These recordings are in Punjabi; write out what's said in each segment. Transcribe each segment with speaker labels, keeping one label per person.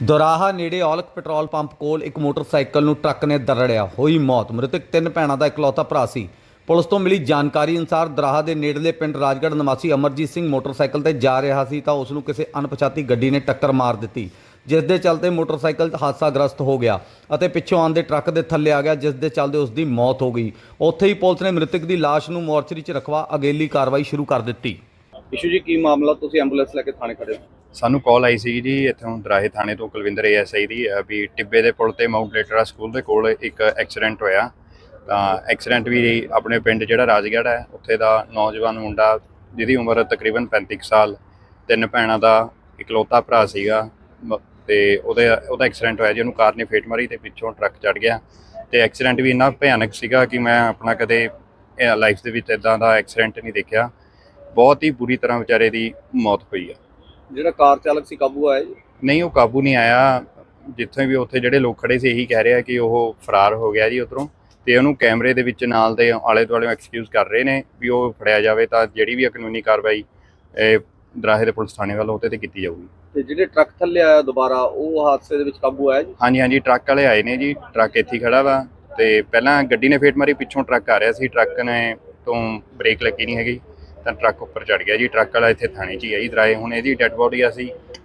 Speaker 1: ਦੋਰਾਹਾ ਨੇੜੇ ਔਲਖ ਪੈਟਰੋਲ ਪੰਪ ਕੋਲ ਇੱਕ ਮੋਟਰਸਾਈਕਲ ਨੂੰ ਟਰੱਕ ਨੇ ਦਰੜਿਆ, ਹੋਈ ਮੌਤ। ਮ੍ਰਿਤਕ 3 ਭੈਣਾਂ ਦਾ ਇਕਲੌਤਾ ਭਰਾ ਸੀ। ਪੁਲਿਸ ਤੋਂ ਮਿਲੀ ਜਾਣਕਾਰੀ ਅਨੁਸਾਰ ਦੋਰਾਹਾ ਦੇ ਨੇੜਲੇ ਪਿੰਡ ਰਾਜਗੜ੍ਹ ਨਿਵਾਸੀ ਅਮਰਜੀਤ ਸਿੰਘ ਮੋਟਰਸਾਈਕਲ ਤੇ ਜਾ ਰਿਹਾ ਸੀ ਤਾਂ ਉਸ ਨੂੰ ਕਿਸੇ ਅਣਪਛਾਤੀ ਗੱਡੀ ਨੇ ਟੱਕਰ ਮਾਰ ਦਿੱਤੀ, ਜਿਸ ਦੇ ਚਲਦੇ ਮੋਟਰਸਾਈਕਲ ਹਾਦਸਾਗ੍ਰਸਤ ਹੋ ਗਿਆ ਅਤੇ ਪਿੱਛੋਂ ਆਉਂਦੇ ਟਰੱਕ ਦੇ ਥੱਲੇ ਆ ਗਿਆ, ਜਿਸ ਦੇ ਚਲਦੇ ਉਸ ਦੀ ਮੌਤ ਹੋ ਗਈ। ਉੱਥੇ ਹੀ ਪੁਲਿਸ ਨੇ ਮ੍ਰਿਤਕ ਦੀ ਲਾਸ਼ ਨੂੰ ਮੋਰਚਰੀ 'ਚ ਰਖਵਾ ਅਗੇਲੀ ਕਾਰਵਾਈ ਸ਼ੁਰੂ ਕਰ ਦਿੱਤੀ।
Speaker 2: ਇਸ਼ੂ ਜੀ, ਕੀ ਮਾਮਲਾ? ਤੁਸੀਂ ਐਂਬੂਲੈਂਸ ਲੈ ਕੇ ਥਾਣੇ ਖੜੇ ਹੋ?
Speaker 3: ਸਾਨੂੰ ਕਾਲ ਆਈ ਸੀ ਜੀ ਇੱਥੋਂ ਦਰਾਹੇ ਥਾਣੇ ਤੋਂ ਕੁਲਵਿੰਦਰ ASI ਦੀ ਵੀ ਟਿੱਬੇ ਦੇ ਪੁਲ ਤੇ ਮਾਊਂਟ ਲੇਟਰਾ ਸਕੂਲ ਦੇ ਕੋਲ ਇੱਕ ਐਕਸੀਡੈਂਟ ਹੋਇਆ। ਤਾਂ ਐਕਸੀਡੈਂਟ ਵੀ ਆਪਣੇ ਪਿੰਡ ਜਿਹੜਾ ਰਾਜਗੜ੍ਹ ਹੈ ਉੱਥੇ ਦਾ ਨੌਜਵਾਨ ਮੁੰਡਾ ਜਿਹਦੀ ਉਮਰ ਤਕਰੀਬਨ 35 ਸਾਲ, 3 ਭੈਣਾਂ ਦਾ ਇਕਲੌਤਾ ਭਰਾ ਸੀਗਾ ਤੇ ਉਹਦਾ ਐਕਸੀਡੈਂਟ ਹੋਇਆ ਜੀ। ਉਹਨੂੰ ਕਾਰ ਨੇ ਫੇਟ ਮਾਰੀ ਤੇ ਪਿੱਛੋਂ ਟਰੱਕ ਚੜ੍ਹ ਗਿਆ ਤੇ ਐਕਸੀਡੈਂਟ ਵੀ ਇੰਨਾ ਭਿਆਨਕ ਸੀਗਾ ਕਿ ਮੈਂ ਆਪਣਾ ਕਦੇ ਲਾਈਫ ਦੇ ਵਿੱਚ ਇੱਦਾਂ ਦਾ ਐਕਸੀਡੈਂਟ ਨਹੀਂ ਦੇਖਿਆ। ਬਹੁਤ ਹੀ ਬੁਰੀ ਤਰ੍ਹਾਂ ਵਿਚਾਰੇ ਦੀ ਮੌਤ ਹੋਈ ਆ।
Speaker 2: ਜਿਹੜਾ ਕਾਰ ਚਾਲਕ ਸੀ ਕਾਬੂ ਆਇਆ ਜੀ?
Speaker 3: ਨਹੀਂ, ਉਹ ਕਾਬੂ ਨਹੀਂ ਆਇਆ। ਜਿੱਥੇ ਵੀ ਉੱਥੇ ਜਿਹੜੇ ਲੋਕ ਖੜੇ ਸੀ ਇਹੀ ਕਹਿ ਰਹੇ ਆ ਕਿ ਉਹ ਫਰਾਰ ਹੋ ਗਿਆ ਜੀ ਉੱਧਰੋਂ, ਤੇ ਉਹਨੂੰ ਕੈਮਰੇ ਦੇ ਵਿੱਚ ਨਾਲ ਦੇ ਆਲੇ ਦੁਆਲੇ ਐਕਸਕਿਊਜ਼ ਕਰ ਰਹੇ ਨੇ ਵੀ ਉਹ ਫੜਿਆ ਜਾਵੇ ਤਾਂ ਜਿਹੜੀ ਵੀ ਕਾਨੂੰਨੀ ਕਾਰਵਾਈ ਦਰਾਹੇ ਦੇ ਪੁਲਿਸ ਥਾਣੇ ਵੱਲੋਂ ਉਹਦੇ ਤੇ ਕੀਤੀ ਜਾਊਗੀ।
Speaker 2: ਤੇ ਜਿਹੜੇ ਟਰੱਕ ਥੱਲੇ ਆਇਆ ਦੁਬਾਰਾ, ਉਹ ਹਾਦਸੇ ਦੇ ਵਿੱਚ ਕਾਬੂ ਆਇਆ ਜੀ?
Speaker 3: ਹਾਂਜੀ, ਟਰੱਕ ਵਾਲੇ ਆਏ ਨੇ ਜੀ। ਟਰੱਕ ਇੱਥੇ ਖੜਾ ਵਾ ਤੇ ਪਹਿਲਾਂ ਗੱਡੀ ਨੇ ਫੇਟ ਮਾਰੀ, ਪਿੱਛੋਂ ਟਰੱਕ ਆ ਰਿਹਾ ਸੀ, ਟਰੱਕ ਨੇ ਤੋਂ ਬ੍ਰੇਕ ਲੱਗੀ ਨਹੀਂ ਹੈਗੀ ਤਾਂ ਟਰੱਕ ਉੱਪਰ ਚੜ ਗਿਆ ਜੀ। ਟਰੱਕ ਵਾਲਾ ਇੱਥੇ ਥਾਣੇ 'ਚ ਹੀ ਹੈ ਜੀ ਦਰਾਹੇ। ਹੁਣ ਇਹਦੀ ਡੈੱਡ ਬੋਡੀ ਅਸੀਂ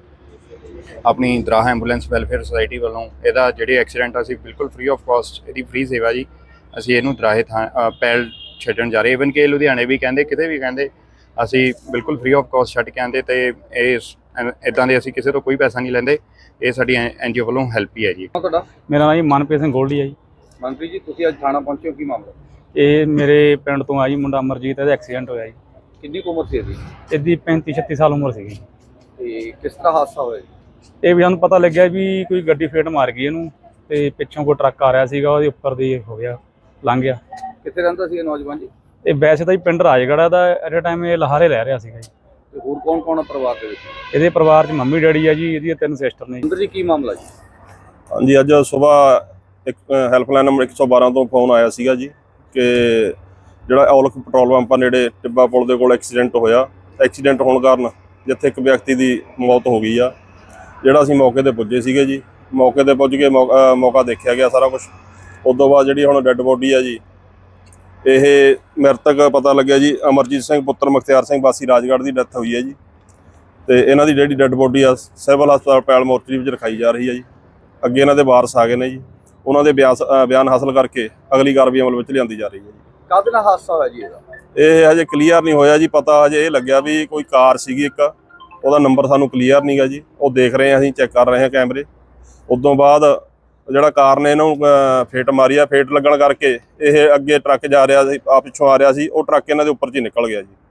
Speaker 3: ਆਪਣੀ ਦਰਾਹਾ ਐਂਬੂਲੈਂਸ ਵੈਲਫੇਅਰ ਸੁਸਾਇਟੀ ਵੱਲੋਂ ਇਹਦਾ ਜਿਹੜੇ ਐਕਸੀਡੈਂਟ ਅਸੀਂ ਬਿਲਕੁਲ ਫ੍ਰੀ ਆਫ ਕਾਸਟ ਇਹਦੀ ਫ੍ਰੀ ਸੇਵਾ ਜੀ ਅਸੀਂ ਇਹਨੂੰ ਦਰਾਹੇ ਪੈਲ ਛੱਡਣ ਜਾ ਰਹੇ। ਈਵਨ ਕਿ ਲੁਧਿਆਣੇ ਵੀ ਕਹਿੰਦੇ, ਕਿਤੇ ਵੀ ਕਹਿੰਦੇ, ਅਸੀਂ ਬਿਲਕੁਲ ਫ੍ਰੀ ਆਫ ਕਾਸਟ ਛੱਡ ਕੇ ਆਉਂਦੇ ਤੇ ਇਹ ਇੱਦਾਂ ਦੇ ਅਸੀਂ ਕਿਸੇ ਤੋਂ ਕੋਈ ਪੈਸਾ ਨਹੀਂ ਲੈਂਦੇ। ਇਹ ਸਾਡੀ NGO ਵੱਲੋਂ ਹੈਲਪ ਹੀ ਹੈ ਜੀ।
Speaker 2: ਤੁਹਾਡਾ?
Speaker 4: ਮੇਰਾ ਨਾਮ ਜੀ ਮਨਪ੍ਰੀਤ ਸਿੰਘ ਗੋਲਡੀ ਹੈ ਜੀ।
Speaker 2: ਮਨਪ੍ਰੀਤ ਜੀ, ਤੁਸੀਂ ਅੱਜ ਥਾਣਾ ਪਹੁੰਚੇ ਹੋ, ਕੀ ਮਾਮਲਾ?
Speaker 4: ਇਹ ਮੇਰੇ ਪਿੰਡ ਤੋਂ ਆ ਜੀ ਮੁੰਡਾ ਅਮਰਜੀਤ, ਇਹਦਾ ਐਕਸੀਡੈਂਟ ਹੋਇਆ ਜੀ।
Speaker 2: ਕਿੰਨੀ ਕੁ ਉਮਰ ਸੀ ਇਹਦੀ?
Speaker 4: ਇਹਦੀ 35-36 ਸਾਲ ਉਮਰ ਸੀਗੀ।
Speaker 2: ਤੇ ਕਿਸ ਤਰ੍ਹਾਂ ਹਾਦਸਾ ਹੋਇਆ ਜੀ?
Speaker 4: ਇਹ ਵੀ ਸਾਨੂੰ ਪਤਾ ਲੱਗਿਆ ਵੀ ਕੋਈ ਗੱਡੀ ਫੇਟ ਮਾਰ ਗਈ ਇਹਨੂੰ ਤੇ ਪਿੱਛੋਂ ਕੋਈ ਟਰੱਕ ਆ ਰਿਹਾ ਸੀਗਾ, ਉਹਦੇ ਉੱਪਰ ਦੀ ਹੋ ਗਿਆ, ਲੰਘ ਗਿਆ।
Speaker 2: ਕਿੱਥੇ ਰਹਿੰਦਾ ਸੀ ਇਹ ਨੌਜਵਾਨ ਜੀ?
Speaker 4: ਇਹ ਵੈਸੇ ਤਾਂ ਜੀ ਪਿੰਡ ਰਾਜਗੜ੍ਹ ਦਾ, ਐਟ ਏ ਟਾਈਮ ਇਹ ਲਾਹੌਰੇ ਲੈ ਰਿਹਾ ਸੀਗਾ ਜੀ।
Speaker 2: ਤੇ ਹੋਰ ਕੌਣ ਕੌਣ ਆ ਪਰਿਵਾਰ ਦੇ ਵਿੱਚ?
Speaker 4: ਇਹਦੇ ਪਰਿਵਾਰ 'ਚ ਮੰਮੀ ਡੈਡੀ ਆ ਜੀ, ਇਹਦੀਆਂ 3 ਸਿਸਟਰ ਨੇ ਜੀ।
Speaker 2: ਅੰਦਰ ਜੀ, ਕੀ ਮਾਮਲਾ ਜੀ?
Speaker 5: ਹਾਂਜੀ, ਅੱਜ ਸਵੇਰ ਇੱਕ ਹੈਲਪਲਾਈਨ ਨੰਬਰ 112 ਤੋਂ ਫੋਨ ਆਇਆ ਸੀਗਾ ਜੀ ਕਿ ਜਿਹੜਾ ਔਲਖ ਪੈਟਰੋਲ ਪੰਪ ਨੇੜੇ ਟਿੱਬਾ ਪੁਲ ਦੇ ਕੋਲ ਐਕਸੀਡੈਂਟ ਹੋਇਆ। ਐਕਸੀਡੈਂਟ ਹੋਣ ਕਾਰਨ ਜਿੱਥੇ ਇੱਕ ਵਿਅਕਤੀ ਦੀ ਮੌਤ ਹੋ ਗਈ ਆ। ਜਿਹੜਾ ਅਸੀਂ ਮੌਕੇ ਤੇ ਪੁੱਜੇ ਸੀਗੇ ਜੀ, ਮੌਕੇ ਤੇ ਪੁੱਜ ਕੇ ਮੌਕਾ ਦੇਖਿਆ ਗਿਆ ਸਾਰਾ ਕੁਝ। ਉਸ ਤੋਂ ਬਾਅਦ ਜਿਹੜੀ ਹੁਣ ਡੈੱਡ ਬੋਡੀ ਆ ਜੀ, ਇਹ ਮ੍ਰਿਤਕ ਪਤਾ ਲੱਗਿਆ ਜੀ ਅਮਰਜੀਤ ਸਿੰਘ ਪੁੱਤਰ ਮੁਖਤਿਆਰ ਸਿੰਘ ਵਾਸੀ ਰਾਜਗੜ੍ਹ ਦੀ ਡੈਥ ਹੋਈ ਹੈ ਜੀ। ਤੇ ਇਹਨਾਂ ਦੀ ਜਿਹੜੀ ਡੈੱਡ ਬੋਡੀ ਆ ਸਿਵਲ ਹਸਪਤਾਲ ਪੈਲ ਮੋਰਚਰੀ ਵਿੱਚ ਰਖਾਈ ਜਾ ਰਹੀ ਹੈ ਜੀ। ਅੱਗੇ ਇਹਨਾਂ ਦੇ ਵਾਰਸ ਆ ਗਏ ਨੇ ਜੀ, ਉਹਨਾਂ ਦੇ ਬਿਆਨ ਹਾਸਲ ਕਰਕੇ ਅਗਲੀ ਕਾਰਵਾਈ ਅਮਲ ਵਿੱਚ ਲਿਆਂਦੀ ਜਾ ਰਹੀ ਹੈ ਜੀ।
Speaker 2: ਕਾਹਦੇ ਨਾਲ ਹਾਦਸਾ ਹੋਇਆ ਜੀ ਇਹਦਾ?
Speaker 5: ਇਹ ਹਜੇ ਕਲੀਅਰ ਨਹੀਂ ਹੋਇਆ ਜੀ। ਪਤਾ ਹਜੇ ਇਹ ਲੱਗਿਆ ਵੀ ਕੋਈ ਕਾਰ ਸੀਗੀ ਇੱਕ, ਉਹਦਾ ਨੰਬਰ ਸਾਨੂੰ ਕਲੀਅਰ ਨਹੀਂ ਗਾ ਜੀ। ਉਹ ਦੇਖ ਰਹੇ ਹਾਂ, ਅਸੀਂ ਚੈੱਕ ਕਰ ਰਹੇ ਹਾਂ ਕੈਮਰੇ। ਉਦੋਂ ਬਾਅਦ ਜਿਹੜਾ ਕਾਰ ਨੇ ਇਹਨੂੰ ਫੇਟ ਮਾਰੀ ਆ, ਫੇਟ ਲੱਗਣ ਕਰਕੇ ਇਹ ਅੱਗੇ ਟਰੱਕ ਜਾ ਰਿਹਾ ਸੀ, ਪਿੱਛੋਂ ਆ ਰਿਹਾ ਸੀ, ਉਹ ਟਰੱਕ ਇਹਨਾਂ ਦੇ ਉੱਪਰ 'ਚ ਹੀ ਨਿਕਲ ਗਿਆ ਜੀ।